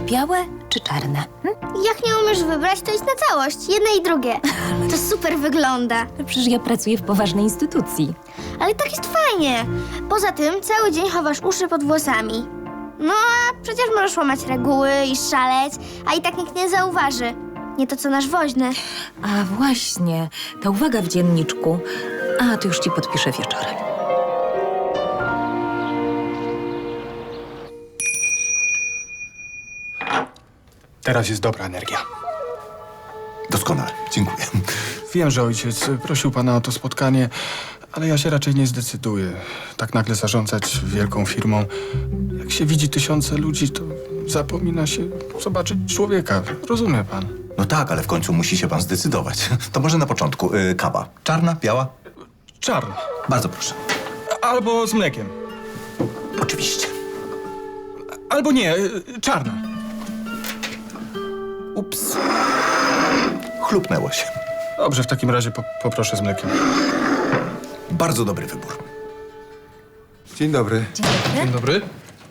białe czy czarne? Jak nie umiesz wybrać, to idź na całość. Jedne i drugie. To super wygląda. Przecież ja pracuję w poważnej instytucji. Ale tak jest fajnie. Poza tym cały dzień chowasz uszy pod włosami. No a przecież możesz łamać reguły i szaleć, a i tak nikt nie zauważy. Nie to co nasz woźny. A właśnie, ta uwaga w dzienniczku. A, to już ci podpiszę wieczorem. Teraz jest dobra energia. Doskonale, dziękuję. Wiem, że ojciec prosił pana o to spotkanie, ale ja się raczej nie zdecyduję. Tak nagle zarządzać wielką firmą. Jak się widzi tysiące ludzi, to zapomina się zobaczyć człowieka. Rozumie pan? No tak, ale w końcu musi się pan zdecydować. To może na początku kawa. Czarna, biała? Czarny. Bardzo proszę. Albo z mlekiem. Oczywiście. Albo nie, czarna. Ups. Chlupnęło się. Dobrze, w takim razie poproszę z mlekiem. Bardzo dobry wybór. Dzień dobry. Dzień dobry.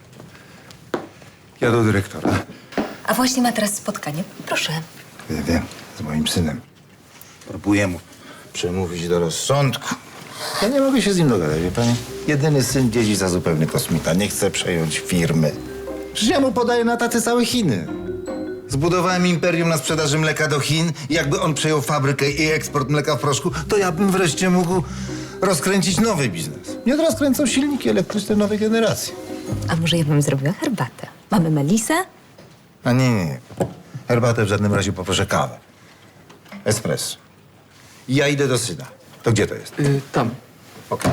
Ja do dyrektora. A właśnie ma teraz spotkanie. Proszę. Wiem, z moim synem. Próbuję mu przemówić do rozsądku. Ja nie mogę się z nim dogadać, wie pani? Jedyny syn dzieci za zupełny kosmita. Nie chce przejąć firmy. Przecież ja mu podaję na tacy całe Chiny. Zbudowałem imperium na sprzedaży mleka do Chin i jakby on przejął fabrykę i eksport mleka w proszku, to ja bym wreszcie mógł rozkręcić nowy biznes. Nie rozkręcą silniki elektryczne nowej generacji. A może ja bym zrobiła herbatę? Mamy melisę? A nie. Herbatę w żadnym razie poproszę kawę. Espresso. I ja idę do syna. To gdzie to jest? Tam. Okej.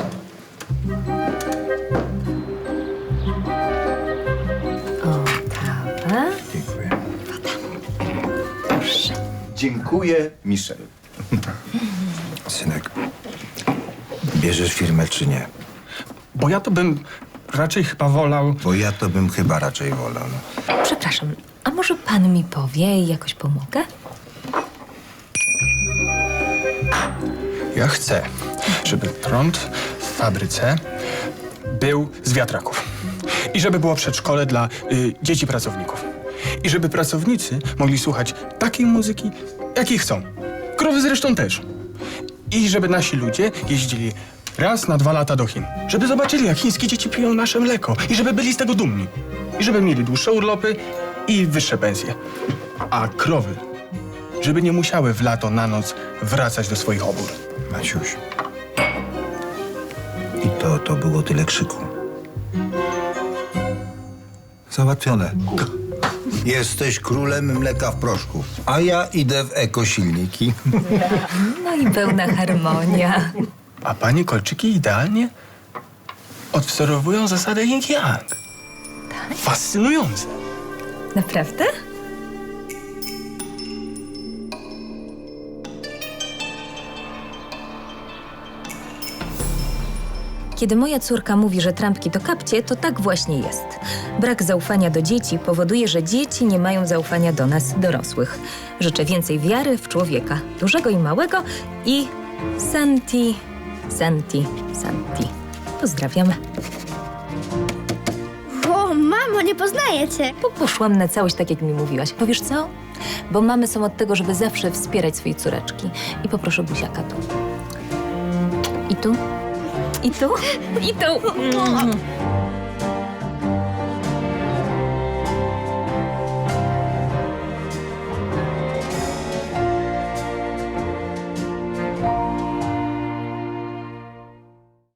O, kawę. Dziękuję. Proszę. Dziękuję, Michel. Synek, bierzesz firmę czy nie? Bo ja to bym raczej chyba wolał... Bo ja to bym chyba raczej wolał. No. Przepraszam, a może pan mi powie i jakoś pomogę? Ja chcę, żeby prąd w fabryce był z wiatraków. I żeby było przedszkole dla dzieci pracowników. I żeby pracownicy mogli słuchać takiej muzyki, jakiej chcą. Krowy zresztą też. I żeby nasi ludzie jeździli raz na 2 lata do Chin. Żeby zobaczyli, jak chińskie dzieci piją nasze mleko. I żeby byli z tego dumni. I żeby mieli dłuższe urlopy i wyższe pensje. A krowy, żeby nie musiały w lato na noc wracać do swoich obór. Maciuś. I to było tyle krzyku. Załatwione. Jesteś królem mleka w proszku, a ja idę w ekosilniki. No i pełna harmonia. A pani kolczyki idealnie odwzorowują zasadę yin-yang. Tak? Fascynujące. Naprawdę? Kiedy moja córka mówi, że trampki to kapcie, to tak właśnie jest. Brak zaufania do dzieci powoduje, że dzieci nie mają zaufania do nas, dorosłych. Życzę więcej wiary w człowieka, dużego i małego i Santi, Santi, Santi. Pozdrawiam. O, mamo, nie poznaję cię. Poszłam na całość tak, jak mi mówiłaś. Bo wiesz co? Bo mamy są od tego, żeby zawsze wspierać swoje córeczki. I poproszę buziaka tu. I tu. I tu. I tu.